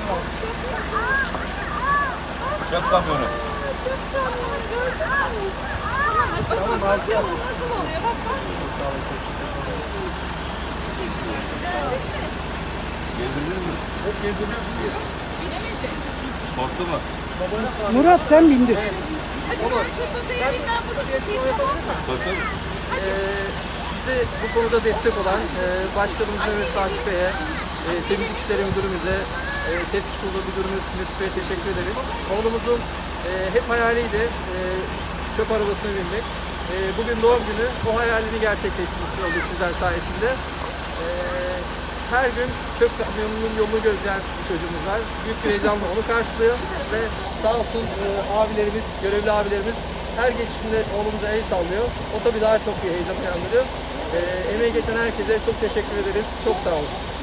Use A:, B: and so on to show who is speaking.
A: Çöp kamyonu.
B: Tamam, bakıyor mu? Nasıl oluyor? Bak bak.
A: Gezdiniz mi?
C: Hep gezdiriyorsun diye.
B: Bilemedi.
A: Korktu mu?
D: Murat sen bindir.
B: Hadi sen çöp adaya bin, ben bunu tutayım, tamam mı?
A: Tabii.
C: Bize bu konuda destek olan Başkanımız Mehmet Fatih Bey'e, Temizlik İşleri Müdürümüze, Teftiş Kurulu Müdürümüz Mesut Bey'e teşekkür ederiz. Oğlumuzun hep hayaliydi çöp arabasına binmek. Bugün doğum günü, o hayalini gerçekleştirmiş olduk sizler sayesinde. Her gün çöp kamyonunun yolunu gözleyen bir çocuğumuz var. Büyük bir heyecanla onu karşılıyor ve sağ olsun abilerimiz, görevli abilerimiz her geçişinde oğlumuza el sallıyor. O tabii daha çok bir heyecan uyandırıyor. Emeği geçen herkese çok teşekkür ederiz. Çok sağ olun.